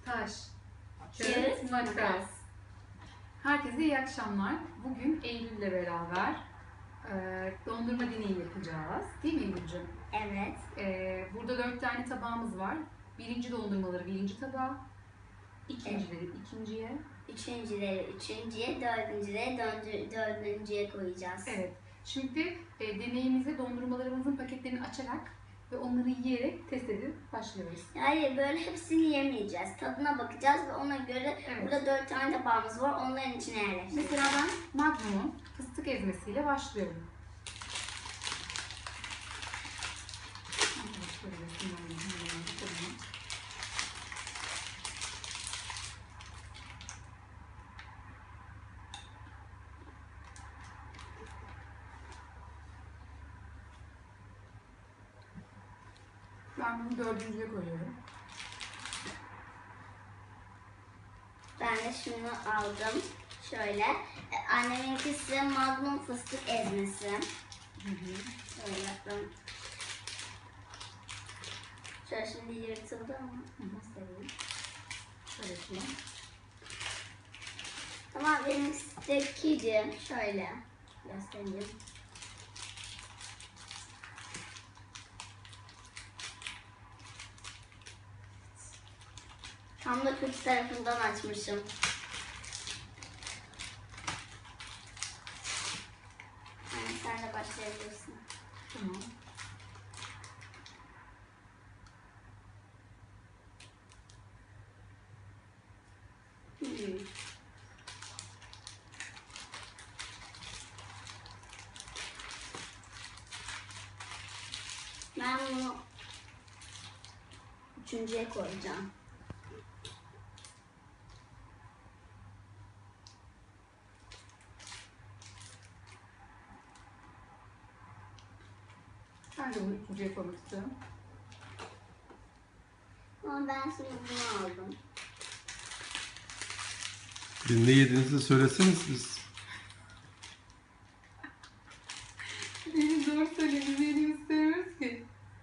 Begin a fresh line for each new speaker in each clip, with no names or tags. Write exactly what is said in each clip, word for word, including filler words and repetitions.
taş, kağıt, makas. Herkese iyi akşamlar. Bugün Eylül'le beraber e, dondurma deneyi yapacağız. Değil mi Eylül'cüğüm?
Evet.
E, burada dört tane tabağımız var. Birinci dondurmaları birinci tabağa, ikincileri evet. ikinciye,
Üçüncüleri üçüncüye, dördüncüleri dördü, dördüncüye koyacağız.
Evet. Şimdi e, deneyimize dondurmalarımızın paketlerini açarak ve onları yiyerek test edip başlıyoruz.
Hayır, böyle hepsini yemeyeceğiz. Tadına bakacağız ve ona göre evet. Burada dört tane tabağımız var. Onların içine yerleştireceğiz.
Mesela ben Magnum'un fıstık ezmesiyle başlıyorum. Ben bunu dördüncüye koyuyorum.
Ben de şunu aldım. Şöyle. Anneminkisi Magnum fıstık ezmesi.
Hı hı.
Şöyle yaptım. Şöyle şimdi yırtıldı ama göstereyim.
Şöyle yapayım.
Tamam, benimkisi şöyle göstereyim. Tam da kötü tarafından açmışım. Yani sen de başlayabilirsin.
Tamam.
Hmm. Ben bunu üçüncüye koyacağım.
Ben de bunu üçüncüye koymak istiyorum.
Ama ben şimdi bunu aldım.
Bir ne yediğinizi söyleseniz siz.
Benim doğru söylediğimi yerini istemiyoruz ki.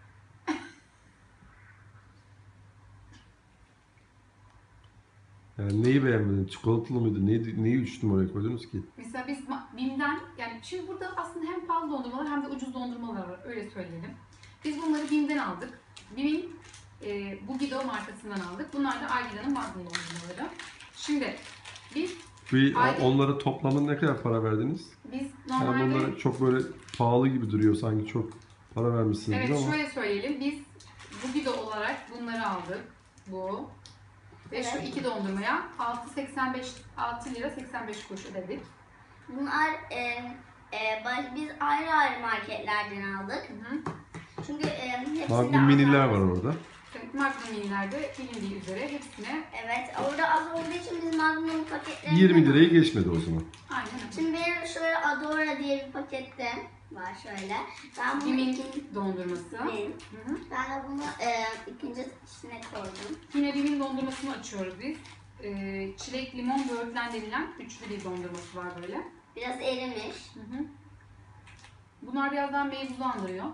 Yani neyi beğenmediniz? Çikolatalı mıydı? Neyi, neyi üç numaraya koydunuz ki?
Mesela biz BİM'den, yani şimdi burada aslında hem pahalı dondurmalar hem de ucuz dondurmalar var, öyle söyleyelim. Biz bunları BİM'den aldık. BİM'in e, Bugido markasından aldık. Bunlar da Algida'nın Magnum dondurmaları. Şimdi biz
Bir,
ayda,
onlara toplamda ne kadar para verdiniz?
Biz
normalde... Yani bunlar çok böyle pahalı gibi duruyor, sanki çok para vermişsiniz
evet,
ama.
Evet, şöyle söyleyelim. Biz Bugido olarak bunları aldık. Bu. Ve evet. Şu iki dondurmaya altı seksen beş, altı lira seksen beş kuruş ödedik.
Bunlar e, e, biz ayrı ayrı marketlerden aldık. Hı hı. Çünkü e, hepsinde
Magnum miniler var orada.
Evet, Magnum minilerde bilindiği üzere hepsine.
Evet, orada az olduğu için biz Magnum paketlerini
yirmi lirayı geçmedi o zaman.
Aynen öyle.
Şimdi benim şöyle Adora diye bir pakette var şöyle. Ben bunu
Bimin
ikinci
dondurması.
Bim. Hı hı. Ben de bunu e, ikinci içine koydum.
Yine Bimin dondurmasını açıyoruz biz. E, çilek, limon, böğürtlen denilen üçlü bir dondurması var böyle.
Biraz erimiş.
Hı hı. Bunlar birazdan meyvuzu andırıyor.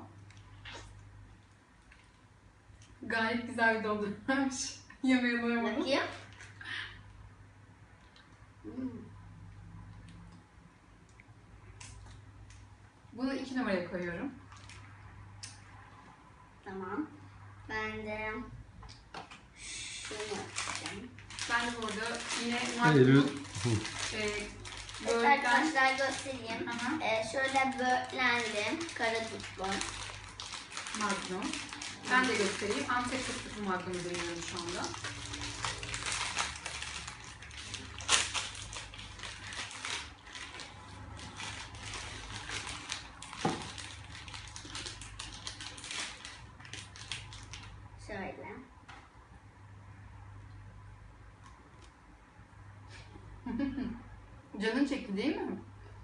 Gayet güzel bir dondurmaymış. Yemeğe doyamadım.
Bakayım. Hmm.
Bunu iki numaraya koyuyorum.
Tamam. Ben de şunu yapacağım.
Ben de burada yine
Eylül.
e,
Evet, arkadaşlar göstereyim.
Aha.
Ee, şöyle böğürtlendim. Kara tutlu.
Magnum. Ben de göstereyim. Antep fıstıklı Magnum'u deniyorum şu anda.
Şöyle.
Canın çekti değil mi?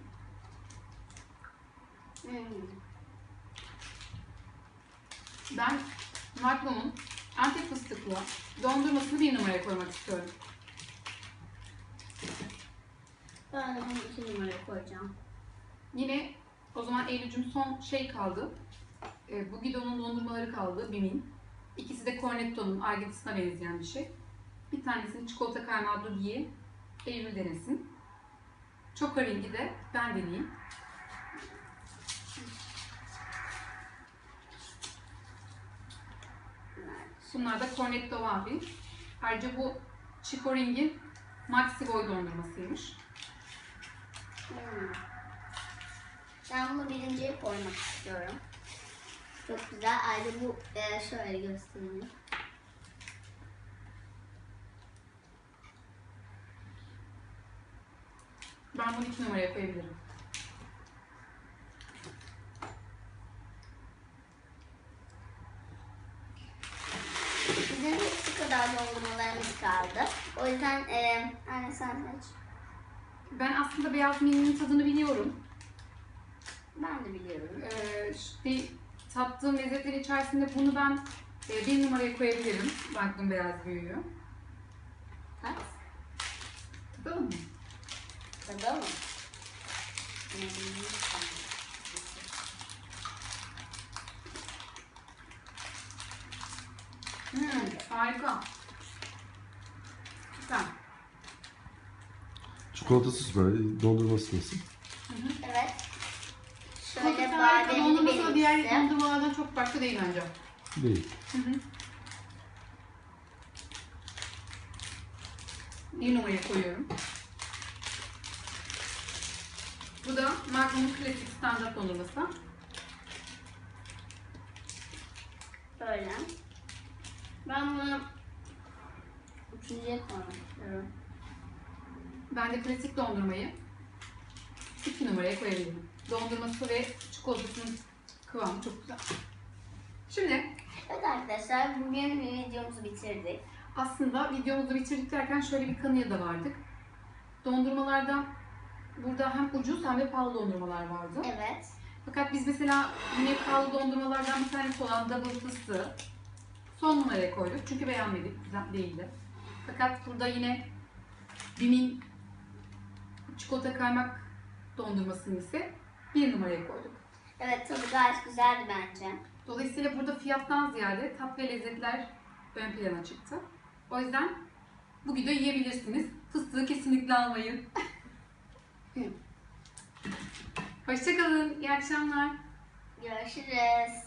Hmm.
Ben Magnum'un Antep fıstıklı dondurmasını bir numaraya koymak istiyorum.
Ben de bunu iki numaraya koyacağım.
Yine o zaman Eylül'cüm son şey kaldı. E, Bugido'nun dondurmaları kaldı, Bim'in. İkisi de Cornetto'nun Argentina'a benzeyen bir şey. Bir tanesini çikolata kaymağı diye Eylül denesin. Çokoring'i de ben deneyeyim. Bunlar da Cornetto Waffle. Ayrıca bu Çokoring'in Maxi Boy dondurmasıymış.
Hmm. Ben bunu birinciye koymak istiyorum. Çok güzel. Ayrıca bu e, şöyle göstereyim.
Ben bunu iki numaraya koyabilirim.
Bizim de şu kadar dondurmalarımız kaldı. O yüzden e, anne sen seç.
Ben aslında beyaz mininin tadını biliyorum.
Ben de biliyorum.
Ee, işte tattığım lezzetler içerisinde bunu ben e, bir numaraya koyabilirim. Magnum beyaz büyüğü.
Kaç?
Tadalım mı?
Tadalım.
Hmm, harika. Güzel.
Çikolatası süper. Dondurması nasıl?
Evet.
Şöyle
Şöyle bademli
dondurması da diğer
benimkisi.
dondurmalardan çok farklı değil bence.
Değil.
Hı hı. Bir numaraya koyuyorum. Bu da Magnum'un klasik standart dondurması.
Böyle. Ben bunu üçüncüye koymak istiyorum.
Ben de klasik dondurmayı iki numaraya koyabilirim. Dondurması ve çikolatasının kıvamı çok güzel. Şimdi
Evet arkadaşlar, bugün videomuzu bitirdik.
aslında videomuzu bitirdik derken şöyle bir kanıya da vardık. Dondurmalarda burada hem ucuz hem de pahalı dondurmalar vardı.
Evet.
Fakat biz mesela yine pahalı dondurmalardan bir tanesi olan double fıstığı son numaraya koyduk. Çünkü beğenmedik, güzel değildi. Fakat burada yine Bim'in çikolata kaymak dondurmasını ise bir numaraya koyduk.
Evet, tadı gayet güzeldi bence.
Dolayısıyla burada fiyattan ziyade tat ve lezzetler ön plana çıktı. O yüzden bu videoyu yiyebilirsiniz. Fıstığı kesinlikle almayın. Hoşça kalın. İyi akşamlar.
Görüşürüz.